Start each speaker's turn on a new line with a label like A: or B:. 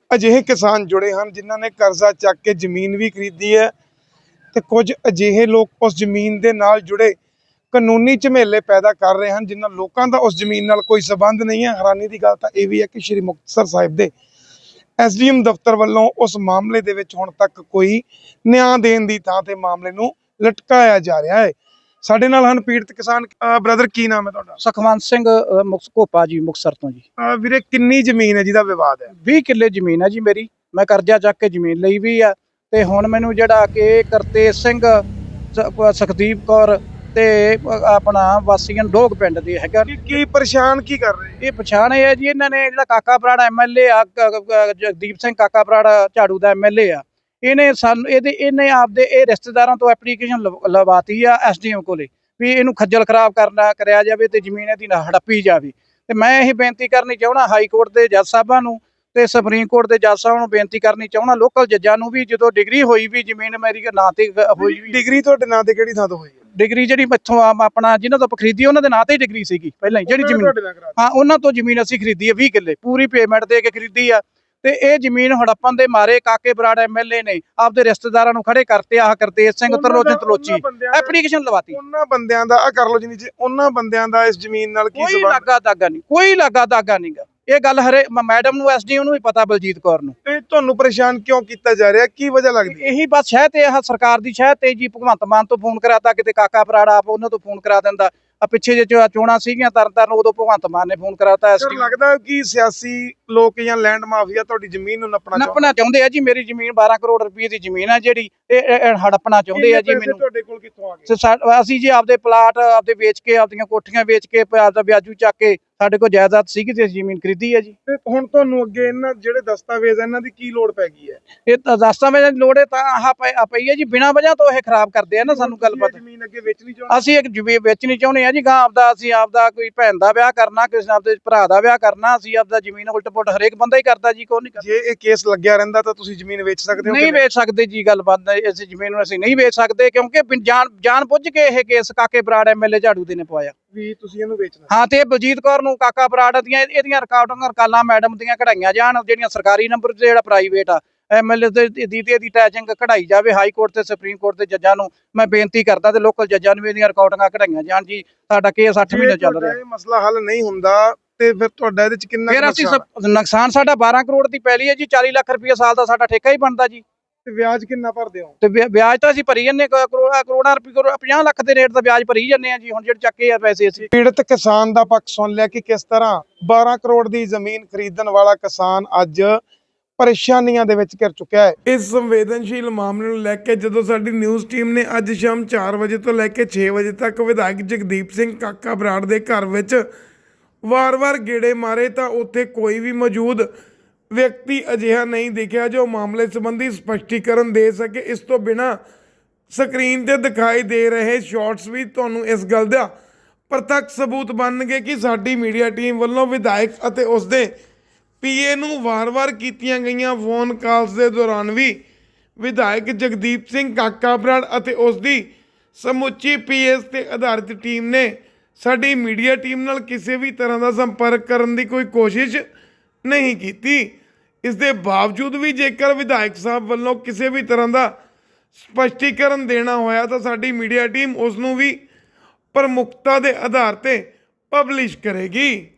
A: ਅਜਿਹੇ ਕਿਸਾਨ ਜੁੜੇ ਹਨ ਜਿਨ੍ਹਾਂ ਨੇ ਕਰਜ਼ਾ ਚੱਕ ਕੇ ਜ਼ਮੀਨ ਵੀ ਖਰੀਦੀ ਹੈ ਤੇ ਕੁਝ ਅਜਿਹੇ ਲੋਕ ਉਸ ਜ਼ਮੀਨ ਦੇ ਨਾਲ ਜੁੜੇ ਕਾਨੂੰਨੀ ਝਮੇਲੇ ਪੈਦਾ ਕਰ ਰਹੇ ਹਨ ਜਿਨ੍ਹਾਂ ਲੋਕਾਂ ਦਾ ਉਸ ਜ਼ਮੀਨ ਨਾਲ ਕੋਈ ਸਬੰਧ ਨਹੀਂ ਹੈ। ਹੈਰਾਨੀ ਦੀ ਗੱਲ ਤਾਂ ਇਹ ਵੀ ਹੈ ਕਿ ਸ਼੍ਰੀ ਮੁਕਤਸਰ ਸਾਹਿਬ ਦੇ SDM ਦਫ਼ਤਰ ਵੱਲੋਂ ਉਸ ਮਾਮਲੇ ਦੇ ਵਿੱਚ ਹੁਣ ਤੱਕ ਕੋਈ ਨਿਆਂ ਦੇਣ ਦੀ ਥਾਂ ਤੇ ਮਾਮਲੇ ਨੂੰ ਲਟਕਾਇਆ ਜਾ ਰਿਹਾ ਹੈ। ਸਾਡੇ ਨਾਲ ਹਨ ਪੀੜਤ ਕਿਸਾਨ। ਬ੍ਰਦਰ, ਕੀ ਨਾਮ ਹੈ ਤੁਹਾਡਾ?
B: ਸੁਖਵੰਤ ਸਿੰਘ ਘੋਪਾ ਜੀ, ਮੁਕਤਸਰ ਤੋਂ ਜੀ।
A: ਵੀਰੇ, ਕਿੰਨੀ ਜ਼ਮੀਨ ਹੈ ਜਿਹਦਾ ਵਿਵਾਦ ਹੈ?
B: 20 ਕਿੱਲੇ ਜ਼ਮੀਨ ਹੈ ਜੀ ਮੇਰੀ। ਮੈਂ ਕਰਜ਼ਾ ਚੱਕ ਕੇ ਜ਼ਮੀਨ ਲਈ ਵੀ ਆ ਤੇ ਹੁਣ ਮੈਨੂੰ ਜਿਹੜਾ ਕਿ ਕਰਤੇਜ ਸਿੰਘ, ਸੁਖਦੀਪ ਕੌਰ ਤੇ ਆਪਣਾ ਵਾਸੀਆਂ ਡੋਗ ਪਿੰਡ ਦੇ ਹੈਗਾ।
A: ਕੀ ਪਰੇਸ਼ਾਨ ਕੀ ਕਰ ਰਹੇ?
B: ਇਹ ਪਛਾਣ ਇਹ ਹੈ ਜੀ, ਇਹਨਾਂ ਨੇ ਜਿਹੜਾ ਕਾਕਾ ਬਰਾੜ MLA ਆ, ਜਗਦੀਪ ਸਿੰਘ ਕਾਕਾ ਬਰਾੜ ਝਾੜੂ ਦਾ MLA ਆ, ਇਹਨੇ ਸਾਨੂੰ ਇਹਨੇ ਆਪਦੇ ਇਹ ਰਿਸ਼ਤੇਦਾਰਾਂ ਤੋਂ ਐਪਲੀਕੇਸ਼ਨ ਲਵਾਤੀ ਆ SDM ਕੋਲੇ ਵੀ ਇਹਨੂੰ ਖੱਜਲ ਖਰਾਬ ਕਰਿਆ ਜਾਵੇ ਤੇ ਜ਼ਮੀਨ ਇਹਦੀ ਹੜੱਪੀ ਜਾਵੇ। ਤੇ ਮੈਂ ਇਹ ਬੇਨਤੀ ਕਰਨੀ ਚਾਹੁੰਦਾ ਹਾਈ ਕੋਰਟ ਦੇ ਜੱਜ ਸਾਹਿਬਾਂ ਨੂੰ ਤੇ ਸੁਪਰੀਮ ਕੋਰਟ ਦੇ ਜੱਜ ਸਾਹਿਬਾਂ ਨੂੰ ਬੇਨਤੀ ਕਰਨੀ ਚਾਹੁੰਦਾ, ਲੋਕਲ ਜੱਜਾਂ ਨੂੰ ਵੀ, ਜਦੋਂ ਡਿਗਰੀ ਹੋਈ ਵੀ ਜ਼ਮੀਨ ਮੇਰੀ ਨਾਂ ਤੇ ਹੋਈ ਵੀ।
A: ਡਿਗਰੀ ਤੁਹਾਡੇ ਨਾਂ ਤੇ ਕਿਹੜੀ ਥਾਂ ਤੋਂ ਹੋਈ ਹੈ?
B: ਡਿਗਰੀ ਜਿਹੜੀ ਇੱਥੋਂ ਆਪਣਾ ਜਿਹਨਾਂ ਤੋਂ ਖਰੀਦੀ ਉਹਨਾਂ ਦੇ ਨਾਂ ਤੇ ਹੀ ਡਿਗਰੀ ਸੀਗੀ ਪਹਿਲਾਂ ਹੀ, ਜਿਹੜੀ ਜ਼ਮੀਨ, ਹਾਂ ਉਹਨਾਂ ਤੋਂ ਜ਼ਮੀਨ ਅਸੀਂ ਖਰੀਦੀ ਹੈ 20 ਕਿੱਲੇ, ਪੂਰੀ ਪੇਮੈਂਟ ਦੇ ਕੇ ਖਰੀਦੀ ਆ। ਤੇ ਇਹ ਜ਼ਮੀਨ ਹੜੱਪਣ ਦੇ ਮਾਰੇ ਕਾਕੇ ਬਰਾੜ MLA ਨੇ ਆਪਦੇ ਰਿਸ਼ਤੇਦਾਰਾਂ ਨੂੰ ਖੜੇ ਕਰਤੇ। ਆਹ ਕਰਤੇਜ ਸਿੰਘ ਤਲੋਚੀ ਐਪਲੀਕੇਸ਼ਨ ਲਵਾਤੀ।
A: ਉਹਨਾਂ ਬੰਦਿਆਂ ਦਾ ਕਰ ਲੋ ਜੀ ਨੀਚੇ, ਉਹਨਾਂ ਬੰਦਿਆਂ ਦਾ ਇਸ ਜ਼ਮੀਨ ਨਾਲ ਕੀ
B: ਸੰਬੰਧ? ਕੋਈ ਲੱਗਾ ਦਾਗਾ ਨਹੀਂ, ਕੋਈ ਲੱਗਾ ਦਾਗਾ ਨਹੀਂਗਾ। ਇਹ ਗੱਲ ਹਰੇ ਮੈਡਮ ਨੂੰ SDM ਨੂੰ ਵੀ ਪਤਾ, ਬਲਜੀਤ ਕੌਰ ਨੂੰ।
A: ਤੇ ਤੁਹਾਨੂੰ ਪਰੇਸ਼ਾਨ ਕਿਉਂ ਕੀਤਾ ਜਾ ਰਿਹਾ? ਕੀ ਵਜ੍ਹਾ ਲੱਗਦੀ?
B: ਇਹੀ ਬਸ ਸ਼ਾਇਦ ਤੇ ਇਹ ਸਰਕਾਰ ਦੀ ਸ਼ਾਇਦ ਤੇ ਜੀ ਭਗਵੰਤ ਮਾਨ ਤੋਂ ਫੋਨ ਕਰਾਤਾ, ਕਿਤੇ ਕਾਕਾ ਬਰਾੜ ਆਪ ਉਹਨਾਂ ਤੋਂ ਫੋਨ ਕਰਾ ਦਿੰਦਾ। ਆ ਪਿੱਛੇ ਜੇ ਚੋਣਾਂ ਸੀਗੀਆਂ ਤਰਨਤਾਰਨ, ਉਦੋਂ ਭਗਵੰਤ ਮਾਨ ਨੇ ਫੋਨ ਕਰਾਤਾ।
A: ਲੱਗਦਾ ਕਿ ਸਿਆਸੀ ਲੋਕ ਜਾਂ ਲੈਂਡ ਮਾਫੀਆ ਤੁਹਾਡੀ ਜ਼ਮੀਨ ਨੂੰ ਨੱਪਣਾ
B: ਚਾਹੁੰਦੇ ਆ ਜੀ। ਮੇਰੀ ਜ਼ਮੀਨ 12 ਕਰੋੜ ਰੁਪਏ ਦੀ ਜ਼ਮੀਨ ਆ ਜਿਹੜੀ, ਇਹ ਹੜੱਪਣਾ ਚਾਹੁੰਦੇ ਆ ਜੀ ਮੈਨੂੰ।
A: ਤੁਹਾਡੇ ਕੋਲ ਕਿੱਥੋਂ ਆ ਗਏ?
B: ਅਸੀਂ ਜੀ ਆਪਦੇ ਪਲਾਟ ਆਪਦੇ ਵੇਚ ਕੇ, ਆਪਦੀਆਂ ਕੋਠੀਆਂ ਵੇਚ ਕੇ, ਆਪਦਾ ਵਿਆਜੂ ਚੱਕ ਕੇ ਸਾਡੇ ਕੋਲ ਜਾਇਦਾਦ ਸੀਗੀ ਤੇ ਜ਼ਮੀਨ ਖਰੀਦੀ ਹੈ ਜੀ।
A: ਤੇ ਹੁਣ ਤੁਹਾਨੂੰ ਅੱਗੇ ਇਹਨਾਂ ਜਿਹੜੇ ਦਸਤਾਵੇਜ਼ ਇਹਨਾਂ ਦੀ ਕੀ ਲੋੜ ਪੈ ਗਈ ਹੈ?
B: ਇਹ ਦਸਤਾਵੇਜ਼ਾਂ ਦੀ ਲੋੜ ਹੈ ਤਾਂ ਆਹ ਪਈ ਹੈ ਜੀ, ਬਿਨਾਂ ਵਜ੍ਹਾ ਤੋਂ ਇਹ ਖਰਾਬ ਕਰਦੇ ਆ ਨਾ ਸਾਨੂੰ। ਗੱਲ ਪਤਾ,
A: ਜ਼ਮੀਨ ਅੱਗੇ ਵੇਚਣੀ ਚਾਹੁੰਦੇ?
B: ਅਸੀਂ ਇੱਕ ਜ਼ਮੀਨ ਵੇਚਣੀ ਚਾਹੁੰਦੇ ਆ ਜੀ ਗਾਂ ਆਪਦਾ। ਅਸੀਂ ਆਪਦਾ ਕੋਈ ਭੈਣ ਦਾ ਵਿਆਹ ਕਰਨਾ, ਕਿਸੇ ਆਪਦੇ ਭਰਾ ਦਾ ਵਿਆਹ ਕਰਨਾ, ਅਸੀਂ ਆਪਦਾ ਜ਼ਮੀਨ ਉਲਟ ਪੁਲਟ ਹਰੇਕ ਬੰਦਾ ਹੀ ਕਰਦਾ ਜੀ, ਕੋਈ ਨਹੀਂ ਕਰਦਾ।
A: ਜੇ ਇਹ ਕੇਸ ਲੱਗਿਆ ਰਹਿੰਦਾ ਤਾਂ ਤੁਸੀਂ ਜ਼ਮੀਨ ਵੇਚ ਸਕਦੇ ਹੋ?
B: ਨਹੀਂ ਵੇਚ ਸਕਦੇ ਜੀ, ਗੱਲ ਬਾਤ ਹੈ। ਇਸ ਜ਼ਮੀਨ ਨੂੰ ਅਸੀਂ ਨਹੀਂ ਵੇਚ ਸਕਦੇ ਕਿਉਂਕਿ ਜਾਣ ਬੁੱਝ ਕੇ ਇਹ ਕੇਸ ਕਾਕੇ ਬਰਾੜ MLA ਝਾੜੂ ਦੇ ਨੇ ਪਵਾਇਆ
A: ਵੀ ਤੁਸੀਂ ਇਹਨੂੰ ਵੇਚਣਾ।
B: ਹਾਂ, ਤੇ ਬਲਜੀਤ ਕੌਰ ਨੂੰ ਕਾਕਾ ਬਰਾੜ ਦੀਆਂ ਇਹਦੀਆਂ ਰਿਕਾਲਾਂ ਮੈਡਮ ਦੀਆਂ ਕਢਾਈਆਂ ਜਾਣ, ਜਿਹੜੀਆਂ ਸਰਕਾਰੀ ਨੰਬਰ ਤੇ ਜਿਹੜਾ ਪ੍ਰਾਈਵੇਟ ਆ MLA ਦੀ ਟੈਚਿੰਗ ਕਢਾਈ ਜਾਵੇ। ਹਾਈ ਕੋਰਟ ਤੇ ਸੁਪਰੀਮ ਕੋਰਟ ਦੇ ਜੱਜਾਂ ਨੂੰ ਮੈਂ ਬੇਨਤੀ ਕਰਦਾ ਤੇ ਲੋਕਲ ਜੱਜਾਂ ਨੂੰ ਵੀ ਇਹਦੀਆਂ ਰਿਕਾਰਡਿੰਗਾਂ ਕਢਾਈਆਂ ਜਾਣ ਜੀ। ਸਾਡਾ ਕੇਸ 8 ਮਹੀਨੇ ਚੱਲ ਰਿਹਾ।
A: ਇਹ ਮਸਲਾ ਹੱਲ ਨਹੀਂ ਹੁੰਦਾ ਤੇ ਫਿਰ ਤੁਹਾਡਾ ਇਹਦੇ ਚ ਕਿੰਨਾ
B: ਨੁਕਸਾਨ? ਸਾਡਾ 12 ਕਰੋੜ ਦੀ ਪੈਲੀ ਹੈ ਜੀ, 40 ਲੱਖ ਰੁਪਏ ਸਾਲ ਦਾ ਸਾਡਾ ਠੇਕਾ ਹੀ ਬਣਦਾ ਜੀ।
A: ਤੇ ਵਿਆਜ ਕਿੰਨਾ ਭਰਦੇ ਹੋ?
B: ਤੇ ਵਿਆਜ ਤਾਂ ਅਸੀਂ ਭਰੀ ਜੰਨੇ ਕਰੋੜਾਂ ਰੁਪਏ, 50 ਲੱਖ ਦੇ ਰੇਟ ਦਾ ਵਿਆਜ ਭਰੀ ਜੰਨੇ ਆ ਜੀ। ਹੁਣ ਜਿਹੜੇ ਚੱਕੇ ਆ ਪੈਸੇ ਅਸੀਂ।
A: ਪੀੜਤ ਕਿਸਾਨ ਦਾ ਪੱਖ ਸੁਣ ਲਿਆ ਕਿ ਕਿਸ ਤਰ੍ਹਾਂ 12 ਕਰੋੜ ਦੀ ਜ਼ਮੀਨ ਖਰੀਦਣ ਵਾਲਾ ਕਿਸਾਨ ਅੱਜ ਪਰੇਸ਼ਾਨੀਆਂ ਦੇ ਵਿੱਚ ਘਿਰ ਚੁੱਕਿਆ ਹੈ। ਇਸ ਸੰਵੇਦਨਸ਼ੀਲ ਮਾਮਲੇ ਨੂੰ ਲੈ ਕੇ ਜਦੋਂ ਸਾਡੀ ਨਿਊਜ਼ ਟੀਮ ਨੇ ਅੱਜ ਸ਼ਾਮ 4 ਵਜੇ ਤੋਂ ਲੈ ਕੇ 6 ਵਜੇ ਤੱਕ ਵਿਧਾਇਕ ਜਗਦੀਪ ਸਿੰਘ ਕਾਕਾ ਬਰਾੜ ਦੇ ਘਰ ਵਿੱਚ ਵਾਰ-ਵਾਰ ਗੇੜੇ ਮਾਰੇ ਤਾਂ ਉੱਥੇ ਕੋਈ ਵੀ ਮੌਜੂਦ ਵਿਅਕਤੀ ਅਜਿਹਾ ਨਹੀਂ ਦਿਖਿਆ ਜੋ ਮਾਮਲੇ ਸੰਬੰਧੀ ਸਪਸ਼ਟੀਕਰਨ ਦੇ ਸਕੇ। ਇਸ ਤੋਂ ਬਿਨਾਂ ਸਕਰੀਨ ਤੇ ਦਿਖਾਈ ਦੇ ਰਹੇ ਸ਼ਾਰਟਸ ਵੀ ਤੁਹਾਨੂੰ ਇਸ ਗੱਲ ਦਾ ਪ੍ਰਤੱਖ ਸਬੂਤ ਬਣਨਗੇ ਕਿ ਸਾਡੀ ਮੀਡੀਆ ਟੀਮ ਵੱਲੋਂ ਵਿਧਾਇਕ ਅਤੇ ਉਸਦੇ PA ਨੂੰ ਵਾਰ-ਵਾਰ ਕੀਤੀਆਂ ਗਈਆਂ ਫੋਨ ਕਾਲਸ ਦੇ ਦੌਰਾਨ ਵੀ ਵਿਧਾਇਕ ਜਗਦੀਪ ਸਿੰਘ ਕਾਕਾ ਬਰਾੜ ਅਤੇ ਉਸਦੀ ਸਮੁੱਚੀ PS ਤੇ ਆਧਾਰਿਤ ਟੀਮ ਨੇ ਸਾਡੀ ਮੀਡੀਆ ਟੀਮ ਨਾਲ ਕਿਸੇ ਵੀ ਤਰ੍ਹਾਂ ਦਾ ਸੰਪਰਕ ਕਰਨ ਦੀ ਕੋਈ ਕੋਸ਼ਿਸ਼ ਨਹੀਂ ਕੀਤੀ। ਇਸ ਦੇ ਬਾਵਜੂਦ ਵੀ ਜੇਕਰ ਵਿਧਾਇਕ ਸਾਹਿਬ ਵੱਲੋਂ ਕਿਸੇ ਵੀ ਤਰ੍ਹਾਂ ਦਾ ਸਪਸ਼ਟੀਕਰਨ ਦੇਣਾ ਹੋਇਆ ਤਾਂ ਸਾਡੀ ਮੀਡੀਆ ਟੀਮ ਉਸ ਨੂੰ ਵੀ ਪ੍ਰਮੁੱਖਤਾ ਦੇ ਆਧਾਰ ਤੇ ਪਬਲਿਸ਼ ਕਰੇਗੀ।